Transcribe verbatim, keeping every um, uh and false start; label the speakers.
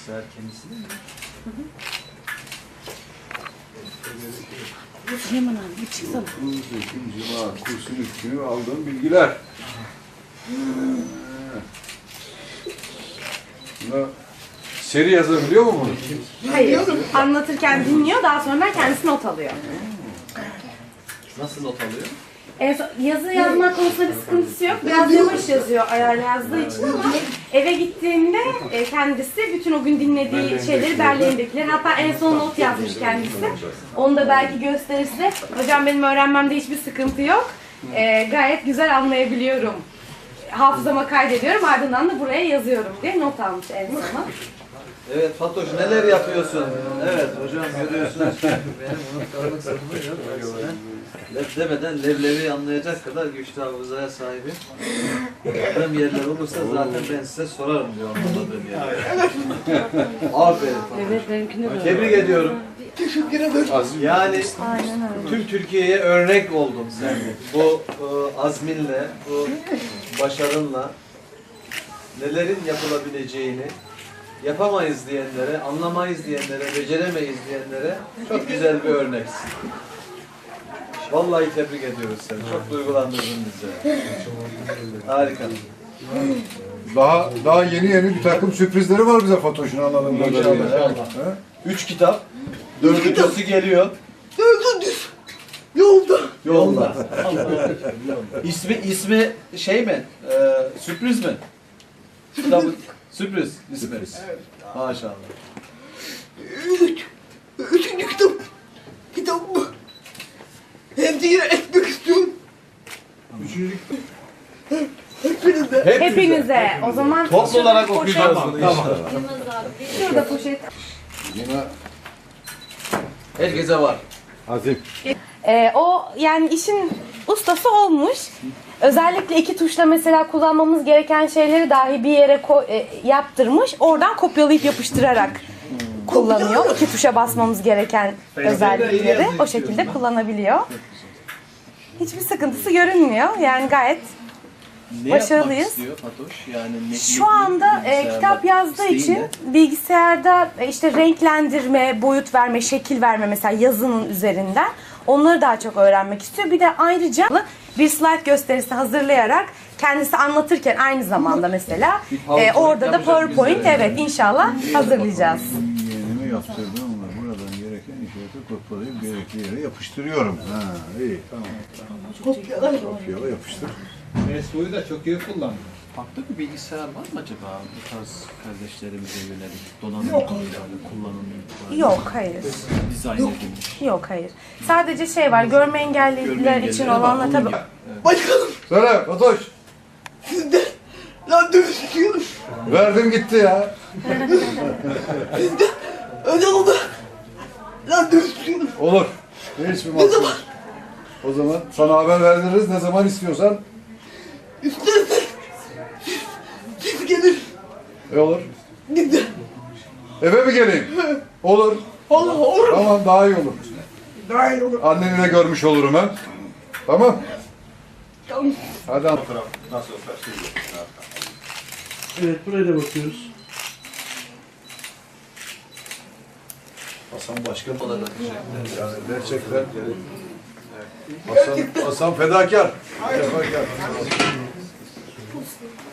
Speaker 1: sefer kendisi değil mi?
Speaker 2: Hı hı. Süleyman abi bir çıksana.
Speaker 3: Ekim, Cuma, kursun üç günü aldığım bilgiler. Buna seri yazabiliyor mu bunu?
Speaker 2: Hayır. Anlatırken dinliyor, daha sonra kendisi not alıyor.
Speaker 1: Nasıl not alıyor?
Speaker 2: En son, yazı yazma konusunda bir sıkıntısı yok. Biraz yavaş yazıyor ayarla yazdığı için ama eve gittiğinde e, kendisi bütün o gün dinlediği şeyleri derleyindekiler. Hatta en son not yazmış kendisi. Onu da belki gösterir size. Hocam benim öğrenmemde hiçbir sıkıntı yok. E, gayet güzel anlayabiliyorum. Hafızama kaydediyorum, ardından da buraya yazıyorum diye not almış en sona.
Speaker 1: Evet Fatoş, neler yapıyorsun? Evet hocam, görüyorsunuz ki benim unutkanlık sorunu yok. Leb demeden leblebi anlayacak kadar güçlü hafızaya sahibim. Aradığım yerler olursa zaten ben size sorarım diyor anlamadığım yerler. Aferin Fatoş.
Speaker 2: Evet, benimkine böyle.
Speaker 1: Tebrik ediyorum. Yani
Speaker 2: Aynen öyle.
Speaker 1: tüm Türkiye'ye örnek oldun sen. Bu e, azminle, bu başarınla nelerin yapılabileceğini, yapamayız diyenlere, anlamayız diyenlere, beceremeyiz diyenlere çok güzel bir örneksin. Vallahi tebrik ediyoruz seni. Çok duygulandırdın bizi. Harika.
Speaker 3: Daha daha yeni yeni bir takım sürprizleri var bize Fatoş'un anladığım kadarıyla.
Speaker 1: İnşallah. Üç kitap. Dördüncüsü geliyor.
Speaker 4: Dördüncüsü yolda.
Speaker 1: Yolda. ismi ismi şey mi? Ee, sürpriz mi? Kitabın sürpriz ismi.
Speaker 4: Evet.
Speaker 1: Maşallah.
Speaker 4: Üç. Üçüncü kitap. Kitap bu. Hem de yine etmek istiyorum.
Speaker 3: Üçüncü
Speaker 4: Hepinize.
Speaker 2: Hepinize. O zaman
Speaker 1: Toplu olarak
Speaker 2: poşet-
Speaker 1: okuyacağız bunu inşallah.
Speaker 2: Şurada poşet.
Speaker 3: yine
Speaker 1: Herkese var.
Speaker 3: Azim.
Speaker 2: Ee, o yani işin ustası olmuş. Özellikle iki tuşla mesela kullanmamız gereken şeyleri dahi bir yere ko- e, yaptırmış. Oradan kopyalayıp yapıştırarak kullanıyor. İki tuşa basmamız gereken özellikleri o şekilde kullanabiliyor. Hiçbir sıkıntısı görünmüyor. Yani gayet
Speaker 1: Ne
Speaker 2: Başarılıyız.
Speaker 1: yapmak istiyor Fatoş? Yani ne,
Speaker 2: şu
Speaker 1: ne-
Speaker 2: anda e,
Speaker 1: bilgisayarda
Speaker 2: kitap yazdığı
Speaker 1: isteği
Speaker 2: için
Speaker 1: ne?
Speaker 2: bilgisayarda e, işte renklendirme, boyut verme, şekil verme mesela yazının üzerinden onları daha çok öğrenmek istiyor. Bir de ayrıca bir slide gösterisi hazırlayarak kendisi anlatırken aynı zamanda mesela
Speaker 1: Bir
Speaker 2: e,
Speaker 1: PowerPoint
Speaker 2: orada da
Speaker 1: yapacak
Speaker 2: PowerPoint
Speaker 1: bize.
Speaker 2: evet inşallah hazırlayacağız.
Speaker 3: Yeğenimi yaptırdım ama buradan gereken işareti kopyalayıp gerekli yere yapıştırıyorum. Ha, iyi tamam.
Speaker 4: Kopyalar.
Speaker 3: Kopyala yapıştır.
Speaker 5: Mesut'u da çok iyi kullandı.
Speaker 1: Farklı bir bilgisayar var mı acaba bu tarz kardeşlerimize yönelik donanım
Speaker 4: Yok.
Speaker 1: kullanım
Speaker 2: Yok hayır.
Speaker 1: dizayn edilmiş?
Speaker 2: Yok hayır. Sadece şey var görme engelliler
Speaker 1: Görme
Speaker 2: için
Speaker 1: engellileri var,
Speaker 2: olanlar
Speaker 1: onun
Speaker 2: tabii.
Speaker 1: gibi.
Speaker 4: Başkanım
Speaker 3: Söyle Fatoş.
Speaker 4: sizden randevu istiyorum.
Speaker 3: Verdim gitti ya.
Speaker 4: Sizden özel olarak randevu istiyorum.
Speaker 3: Olur. Hiçbir mahsur. yok. O zaman sana haber verdiririz. Ne zaman istiyorsan.
Speaker 4: İsterseniz siz, siz gelin.
Speaker 3: E olur.
Speaker 4: Gidin.
Speaker 3: Eve mi geleyim? Olur.
Speaker 4: Allah olur.
Speaker 3: Tamam daha iyi olur.
Speaker 4: Daha iyi olur.
Speaker 3: Anneni de görmüş olurum ha. Tamam.
Speaker 4: Tamam.
Speaker 3: Hadi an.
Speaker 6: Evet, buraya da bakıyoruz.
Speaker 3: Hasan başkan.
Speaker 1: Olarak
Speaker 3: Yani gerçekten. Hasan, Hasan fedakar. Fedakar.